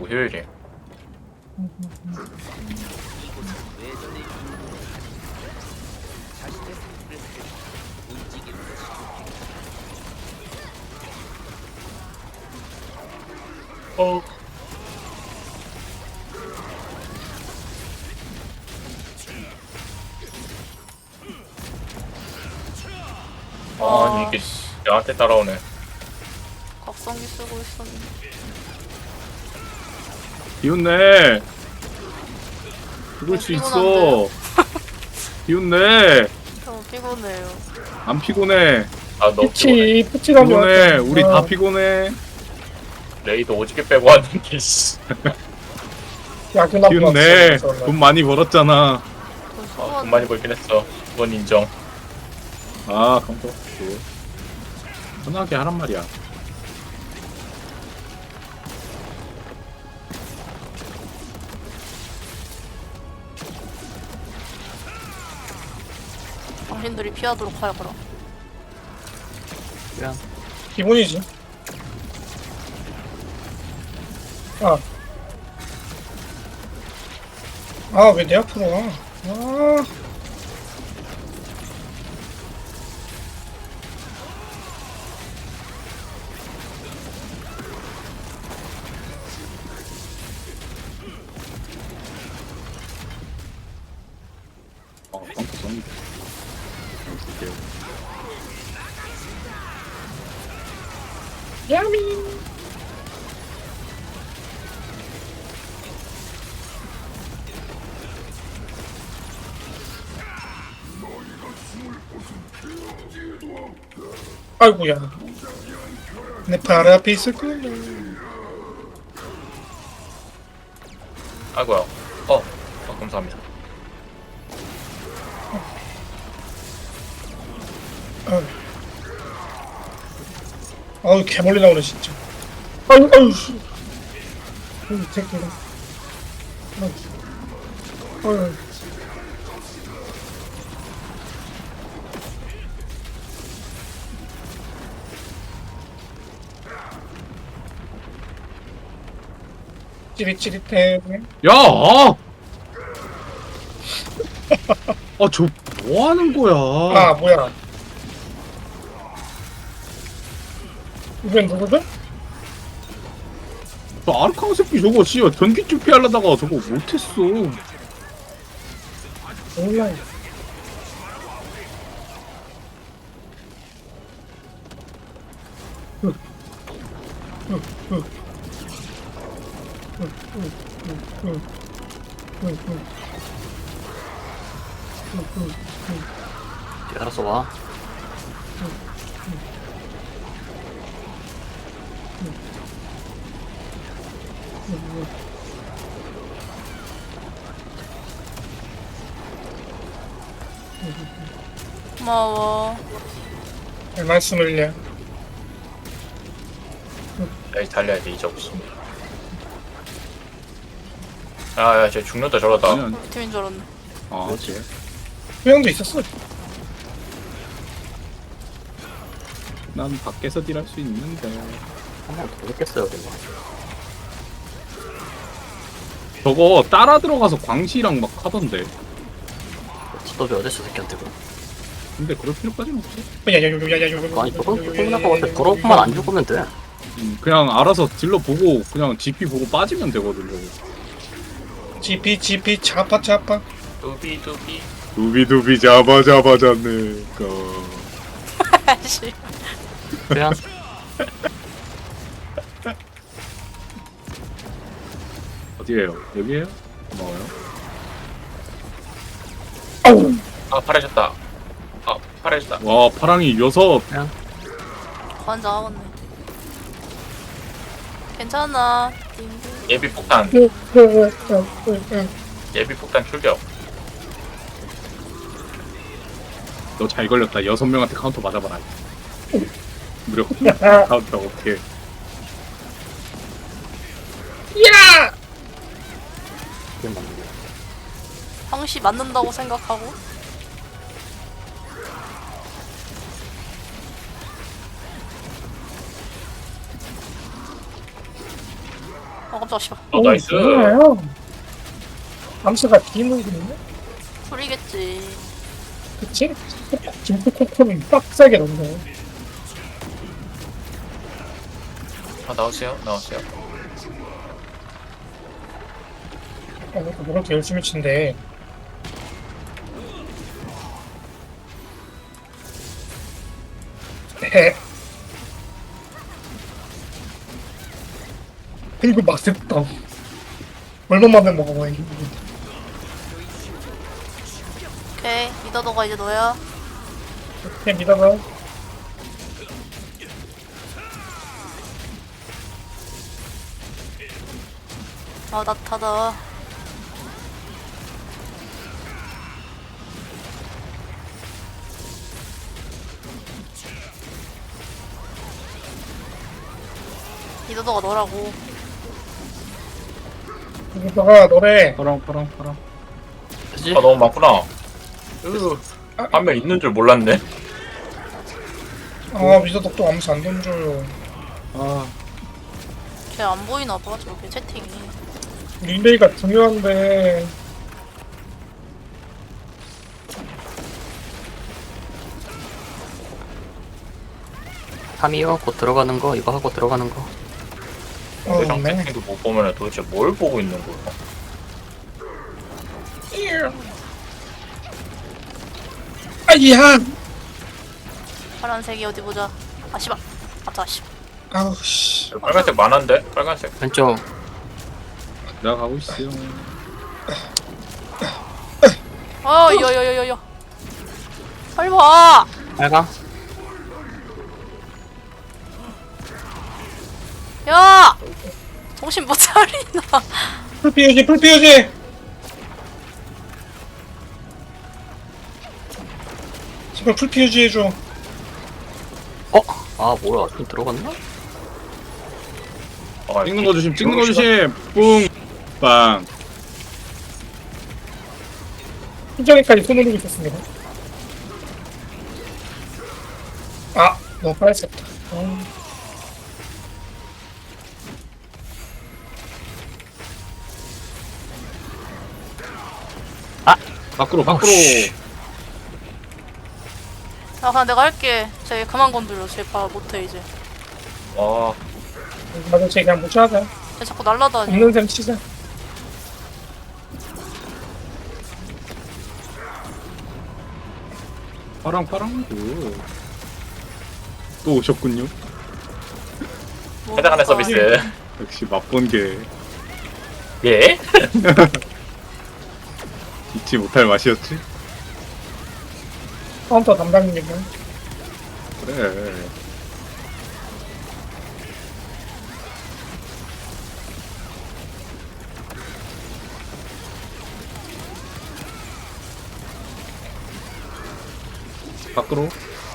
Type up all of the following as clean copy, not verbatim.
아니고 효율이에요. 어. 아니 이게 나한테 따라오네. 각성기 쓰고 있었는데. 비웃네. 죽을 수 있어. 비웃네. 너무 피곤해요. 안 피곤해. 아 너무 피곤해. 푸치가 피곤해. 우리 다 피곤해. 레이도 오지게 빼고 왔는데 씨. 야근 나고 비웃네. 돈 많이 벌었잖아. 돈 많이 벌긴 했어. 그건 인정. 아, 깜짝 편하게 하란 말이야. 당신들이 피하도록 하여 그럼. 미안. 기본이지. 왜 내 앞으로 와? 깜짝 성 줄게요. 야미. 아이고야. 내 발 앞에 있을 거야. 아이고야. 감사합니다. 개멀리 나오네 진짜. 아유 씨. 이 새끼가. 아유. 찌릿찌릿해. 야! 아! 저 뭐 하는 거야? 뭐야. 이건 누구든? 저 아르카우 새끼 저거 씨발 전기줄 피하려다가 저거 못했어. 몰라. 알아서 와. 고마워. 별 말씀을요. 레이 달려야 돼 이제 없어. 야, 쟤 죽는다 저러다. 아니, 아니. 우리 팀인 줄 알았네. 그렇지. 소영도 있었어. 난 밖에서 딜할 수 있는데. 한 번 더 했겠어요, 그거. 저거 따라 들어가서 광시랑 막 하던데. 스톱이 어딨어, 새끼한테 그거. 근데 그럴 필요까지는 없어. 아니, 저건 것 같아. 더러운만 안 죽으면 돼. 그냥 알아서 딜러 보고 그냥 GP 보고 빠지면 되거든 저거. GP 차파. 두비두비. 두비두비 잡아 잡네. 씨. 그냥 어디에요? 여기에요? 고마워요. 파래졌다. 파래졌다. 와 파랑이 6. 환장하겠네. 괜찮아. 띵띵. 예비 폭탄. 예비 폭탄 출격. 너 잘 걸렸다. 6명한테 카운터 맞아봐라. 무력 카운터 오케이. 그게 맞는 게. 항시 맞는다고 생각하고. 깜짝이야. 저 씨발. 나이스. 뭐예요? 암수가 기능이네? 풀이겠지. 그치? 김프코코는 빡세게 넣네. 나오세요. 나오세요. 이것도 그렇게 열심히 친데. 헤. 이거 맛있다. 얼마만에 먹어봐, 이거. 오케이. 미더더가 이제 너야. 그냥 믿어봐. 나타다. 미더더가 너라고. 너가 너래. 파랑. 그치? 너무 많구나. 한 명 있는 줄 몰랐네. 아, 미더덕도 아무도 안 던져요. 아, 쟤 안 보이나 봐. 저렇게 채팅이. 릴레이가 중요한데. 탐이요? 곧 들어가는 거 이거 하고 들어가는 거. 대장 네. 채팅도 못 보면 도대체 뭘 보고 있는 거야? 아이야! 파란색이 어디 보자. 아 씨발. 맞다 씨발. 아우, 씨. 빨간색 많은데? 빨간색. 왼쪽 내가 가고 있어요. 여여여여여. 빨리 와. 빨강. 야. 정신 못 차리나. 풀 피우지! 제발 풀 피우지 해줘. 아 뭐야 좀 들어갔나? 찍는 거 조심. 뿡. 빵. 표정에까지 손 올리고 있었습니다. 아, 너무 빨랐었다. 밖으로. 씨. 야 그냥 내가 할게. 쟤 그만 건드려. 쟤 봐 못해 이제. 와, 나도 쟤 그냥 무시하자. 쟤 자꾸 날라다니. 없는 셈 치자. 파랑. 또 오셨군요. 뭐 해당 안의 할까? 서비스. 역시 맛본 게 예? 잊지 못할 맛이었지. 카운터 담당님은. 그래. 밖으로.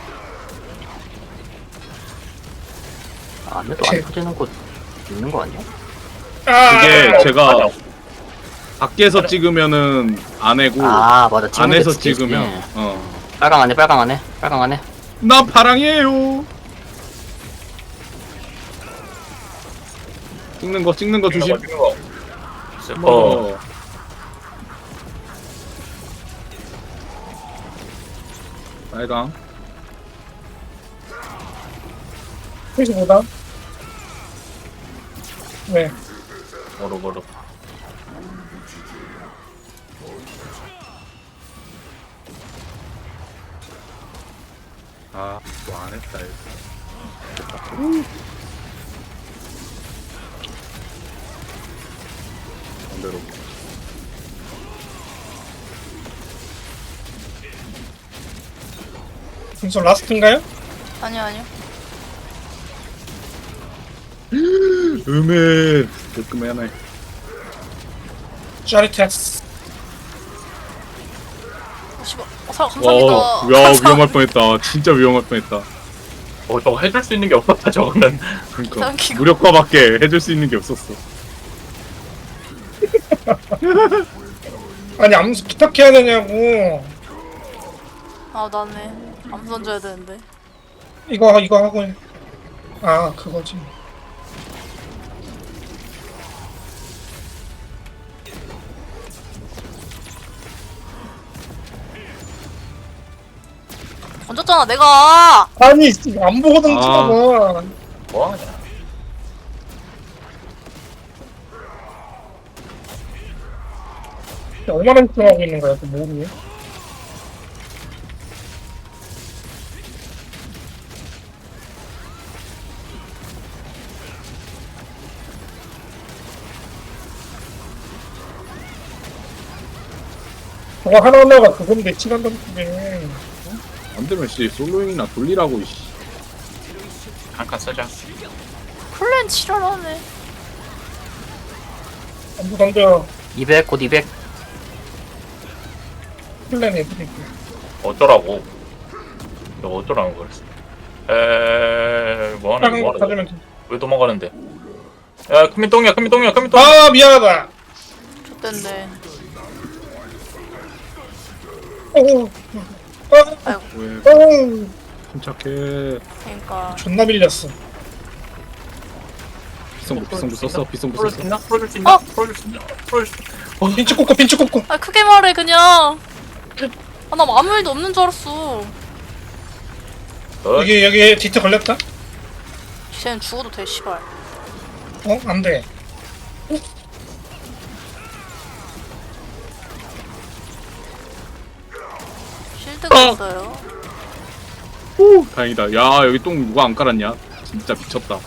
아 안에도 안 터지는 곳 있는 거 아니야? 그게 제가 맞아. 밖에서 찍으면은 안 해고 아 맞아 찍는 게 안에서 두개 있지. 찍으면 빨강 안에 나 파랑이에요. 찍는 거 조심. 찍는 거. 스포. 빨강. 그래서 뭐다? 왜? 모르. 아, 또 안 했다 이거. 반대로. 벌써 라스트인가요? 아니요. 음에 조금 하나. 짜릿했어. 씨발. 사 와, 감사합니다. 야 위험할 뻔했다. 진짜 위험할 뻔했다. 저거 해줄 수 있는 게 없었다, 저거는. 그러니까 당기고. 무력화밖에 해줄 수 있는 게 없었어. 아니, 암수 부탁해야 되냐고. 아 나네. 암수 던져야 되는데. 이거 하고 해. 아, 그거지. 던졌잖아 내가. 아니 안 보고 던지나 봐. 뭐하냐. 5만원 하고 있는 거야 그 뭐니? 저거 하나하나가 그건데 시간 던지게. 안 되면 씨 솔로잉이나 돌리라고 씨. 한 칸 쓰자. 플랜 지랄하네. 안부 던져. 200, 곧 200. 플랜 애들이. 어쩌라고. 너 어쩌라는 거야. 뭐하는 작은 거 거야. 가지면 돼. 왜 도망가는데. 야 큰민똥이야 큰민똥이야 큰민똥. 아 미안하다. 좋댄데. 어우. 아이고. 왜 어우. 침착해. 그러니까 존나 밀렸어. 비성부 썼어? 비성부 풀어줄 수 썼어? 있나? 풀어줄 수 있나? 어? 풀어줄 수 있나? 풀어줄 수 있나? 빈츠 꽂고 빈츠 꽂고. 아 크게 말해 그냥. 아 나 아무 일도 없는 줄 알았어. 여기 디트 걸렸다? 쟤는 죽어도 돼 씨발. 어? 안 돼. 실드가 있어요. 오 다행이다. 야 여기 똥 누가 안 깔았냐? 진짜 미쳤다.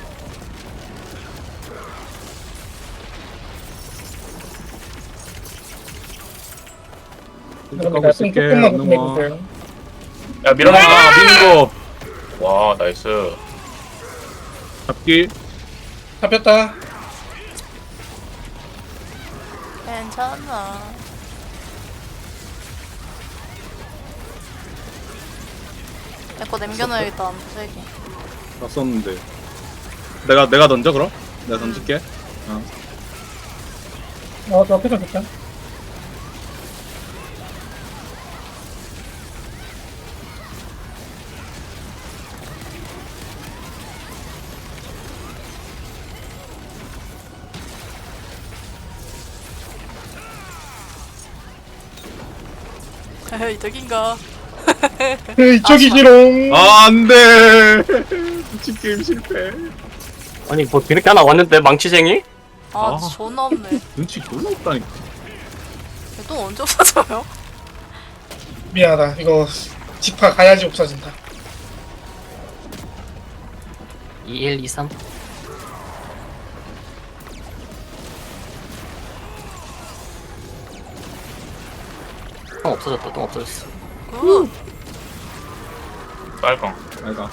가고 있을게. 조금만 안 넘어. 보내주세요. 야 밀어내. 미는 거 와 나이스. 잡기. 잡혔다. 괜찮아. 내 거 남겨놔야겠다 안 부세기. 나 썼는데. 내가 던져 그럼? 내가 던질게. 저 앞에 잡혔다. 이득인가? 이쪽이지롱. 아 안돼. 미친 게임 실패. 아니, 뭐, 뒤늦게 하나 왔는데, 망치쟁이? 아 아. 존나 없네. 눈치 졸라 없다니까. 또 언제 없어져요? 미안하다. 이거 지파 가야지 없어진다. 21, 23. 똥 없어졌다, 똥 없어졌어. 굿. 빨강. 아이가.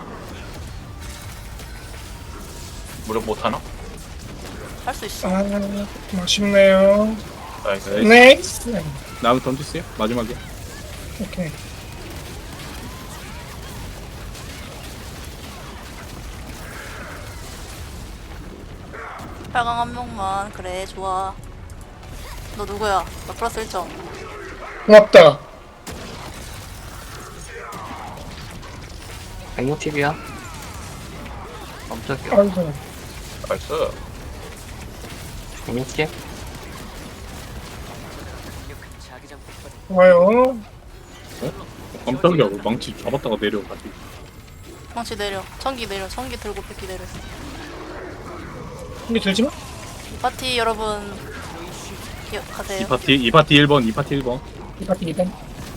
무력 못하나? 할 수 있어. 아, 좀 아쉽네요. 나이스. 넥스트. 나무 던지세요. 마지막에. 오케이. 빨강 한 명만. 그래 좋아. 너 누구야? 나 플러스 1점. 고맙다. 160이야. 깜짝이야. 아이고. 나이스. 160? 좋아요. 깜짝이야. 망치 잡았다가 내려가지고. 망치 내려. 천기 내려. 천기 들고 뺏기 내려. 근데 들지 마. 이 파티 여러분 기억하세요. 이 파티 1번. 이 파티 1번. 이 파티 일단.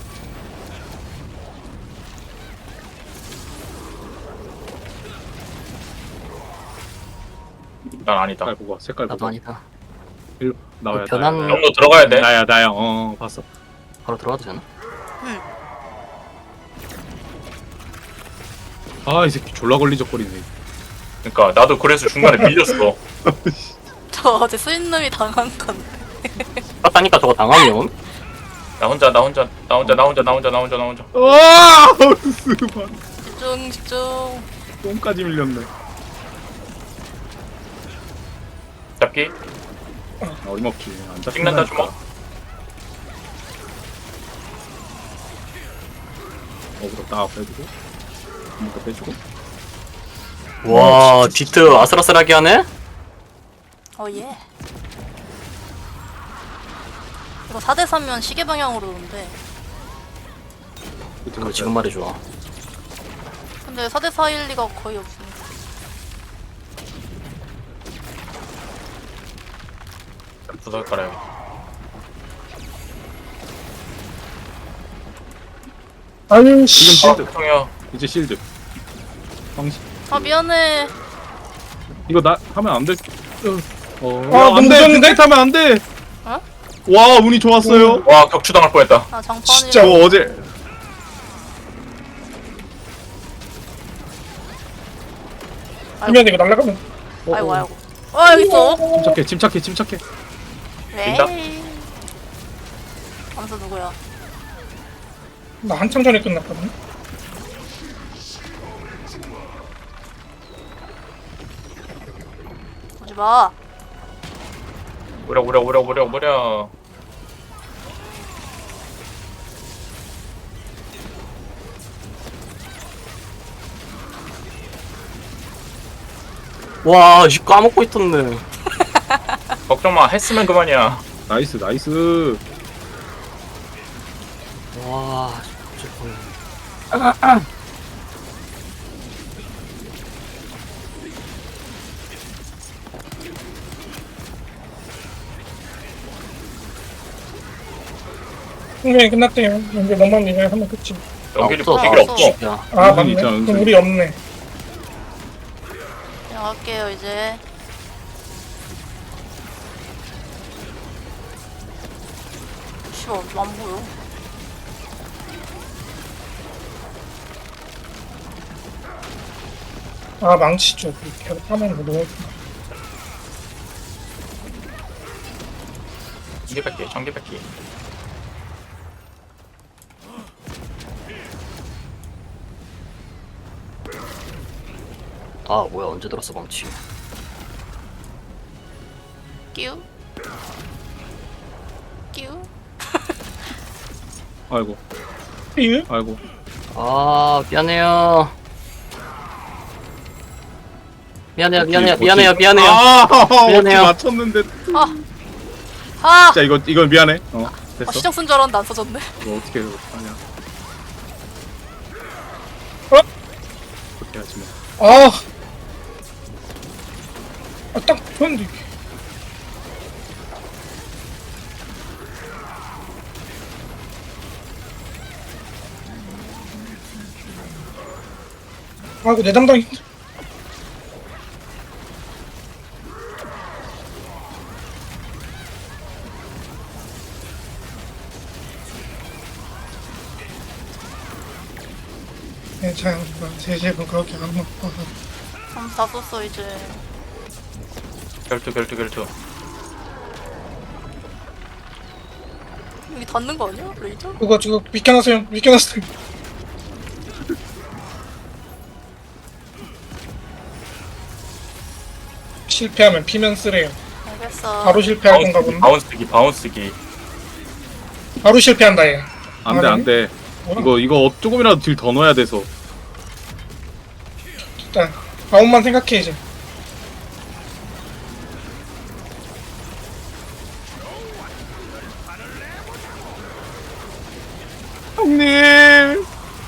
난 아니다. 색깔 보고 와, 색깔 나도 보고. 아니다. 일로 나와야 변한- 나야. 정도 들어가야 돼. 나야. 봤어. 바로 들어가도 되나? 응. 아 이 새끼 졸라 걸리적거리네. 그러니까 나도 그래서 중간에 밀렸어. 저 어제 쓰인놈이 당한 건데. 땄다니까 저거 당하면? 나 혼자. 와 스바. 집중 집중. 똥까지 밀렸네. 잡기. 어림없지. 안 찍는다 잡힌다니까. 주먹. 어그로 딱 빼주고. 한번더 빼주고. 와, 디트 아슬아슬하게 하네? 예. 이거 4대 3면 시계 방향으로 오는데. 그거 지금 말해줘. 근데 4대4일 리가 거의 없으니까. 부설 깔아요. 아유 지금 씨. 실드. 형이요. 이제 실드. 방식. 아 미안해. 이거 나 하면 안 돼. 아, 안 너무 돼. 늦었는데? 빅데이트 하면 안 돼. 어? 와, 운이 좋았어요. 와 격추당할 뻔했다. 아 장판이. 진짜. 저 어제 하면 이거 날라가면. 아이고 아이고. 여기 있어. 침착해. 빈다? 왜? 암수 누구야? 나 한참 전에 끝났거든. 오지 마. 오랴. 와, 씨 까먹고 있었네. 걱정 마. 했으면 그만이야. 나이스. 와, 진짜 거의. 분명히 끝났대요. 이제 너만 이제 하면 끝이. 연결이 없어, 필요 없어. 야, 아 은근히 맞네. 있잖아, 그럼 은근히. 우리 없네. 그냥 할게요 이제. 씨발 안 보여. 아 망치 쪽 이렇게 하면 뭐 너무. 전기 뺏기. 아 뭐야 언제 들었어 망치. 끼우. 아이고. 삐? 아이고. 아 미안해요. 미안해요. 뭐지? 미안해요. 아, 미안해요. 맞췄는데. 아. 자, 이건 미안해. 됐어. 시정 쓴 줄 알았는데 안 써졌네. 이거 어떻게 하냐. 그렇게 하지 뭐. 아. 딱 좋은데. 아이고 내 담당이. 괜찮아. 3시에 그렇게 안 먹고. 암수 다 썼어 이제. 결투. 여기 닿는 거 아니야? 레이저? 그거 지금 비켜놨어요. 실패하면 피면 쓰래요. 알겠어. 바로 실패할 건가 보네. 바운스기. 바로 실패한다 얘. 안 돼. 뭐야? 이거 조금이라도 딜 더 넣어야 돼서. 일단 바운만 생각해 이제. 형님!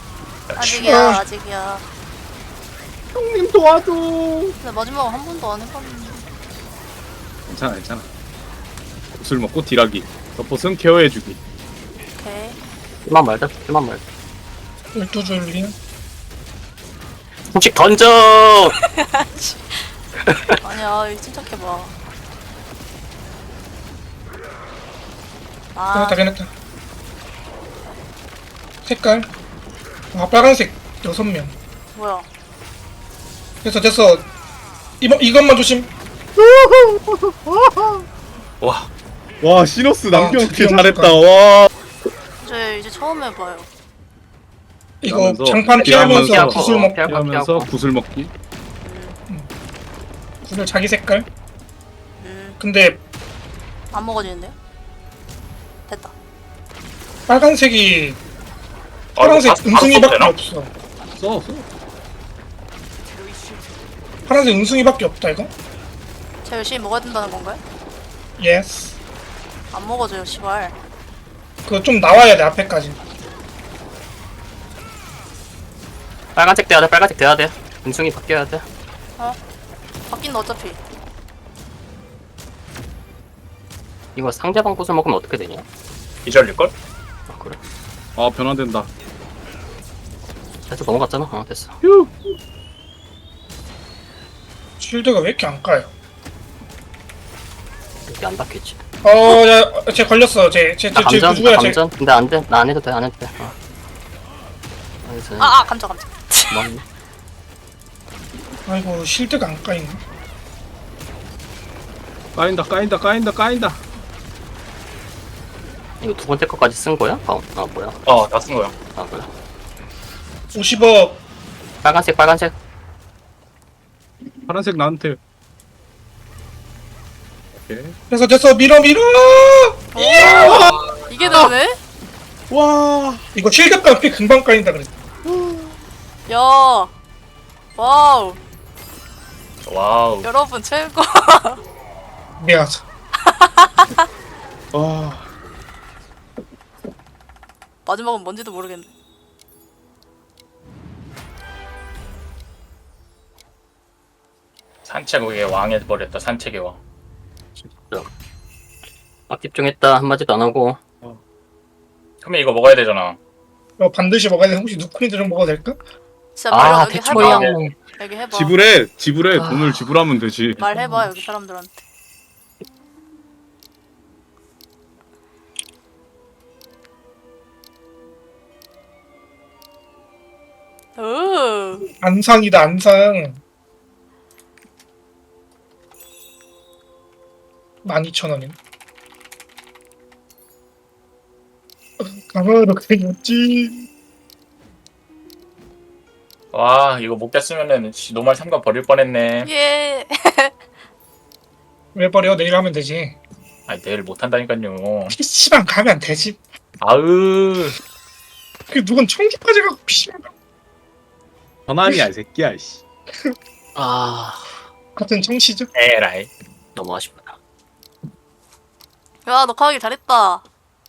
아직이야. 형님 도와줘! 근데 마지막은 한 번도 안 해봤는데. 괜찮아. 술 먹고 딜하기. 서폿은 케어해주기. 오케이. 그만 말자. 12줄 링. 솔직 던져. 아니야, 이거 침착해봐. 해냈다. 색깔. 아 빨간색 6명. 뭐야? 됐어. 이것만 조심. 와, 시너스 남경 드디어 잘했다. 먹을까? 와. 이제 처음 해봐요. 이거 피하면서, 장판 피하면서 피하면서, 구슬 먹. 피하면서 구슬 먹기. 구슬 자기 색깔. 음, 근데 안 먹어지는데요? 됐다. 빨간색이 아, 파란색 바로 은승이밖에 써도 되나? 없어. 써. 파란색 은승이밖에 없다 이거. 제가 열심히 먹어야 된다는 건가요? 예스. 안 먹어져요, 시발. 그거 좀 나와야 돼 앞에까지. 빨간색 돼야 돼. 빨간색 돼야 돼. 은승이 바뀌어야 돼. 바뀐다 어차피. 이거 상대방 꽃을 먹으면 어떻게 되냐? 기절일걸? 아 그래? 아 변환된다. 됐어 넘어갔잖아. 됐어. 휴. 쉴드가 왜 이렇게 안 까요? 이렇게 안 닿겠지. 쟤 걸렸어. 쟤 나 감전? 누구야, 나 쟤. 감전? 근데 안 돼. 나 안 해도 돼. 안 해도 돼. 알겠어. 감정. 고맙네. 아이고, 쉴드가 안 까이네. 까인다. 이거 두 번째 거까지 쓴 거야? 아 뭐야? 다 쓴 거야. 아 그래? 50억. 빨간색. 파란색 나한테. 오케이. 됐어. 밀어! 이게 되네? 와. 이거 쉴드 깡피 금방 까인다 그랬어. 야. 와우. 와우. 여러분 최고. 미안. 와. 마지막은 뭔지도 모르겠네. 산책의 왕 해버렸다. 산책의 왕. 막 집중했다. 한마디도 안 하고. 그러면 이거 먹어야 되잖아. 반드시 먹어야 돼. 혹시 누크린드 좀 먹어도 될까? 진짜 말 아 여기 대초야. 해봐. 여기 해봐. 지불해. 아. 돈을 지불하면 되지. 말해봐 여기 사람들한테. 오. 안상이다, 안상. 12,000원이네. 가만히 그랬지. 와 이거 못 깼으면은 노말 3관 버릴 뻔했네. 예. 왜 버려? 내일 하면 되지. 아니 내일 못 한다니까요. PC방 가면 되지. 아으. 그 누군 청주까지 가고 PC방 가. 전환이야 이 새끼야. 씨. 아 같은 청취죠? 에라이. 너무 아쉽다. 야 녹화하기 잘했다.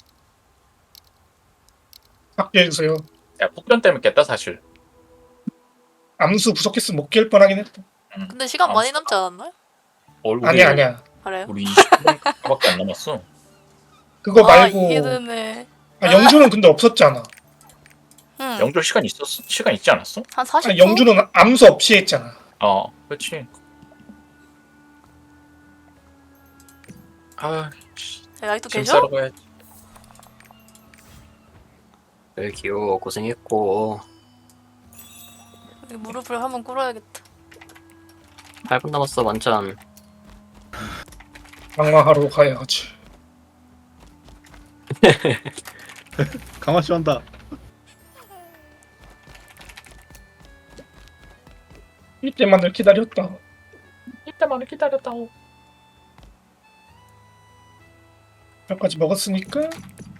바뀌어주세요. 야 폭변 때문에 깼다 사실. 암수 부족했으면 못 깰 뻔하긴 했다. 근데 시간 많이 남지 않았나요? 우리, 아니야. 그래요? 우리 20분밖에 안 남았어. 그거 말고. 이게 되네. 영주는 근데 없었잖아. 응. 영조 시간 있지 않았어? 한 40초? 영주는 암수 없이 했잖아. 그렇지. 아, 아직도 짐 계셔? 싸러 가야지. 벨기오 고생했고. 여기 무릎을 한번 꿇어야겠다. 8분 남았어 완전. 강화하러 가야지. 강화시 한다. 이때만을 기다렸다. 이때만을 기다렸다고. 몇까지 먹었으니까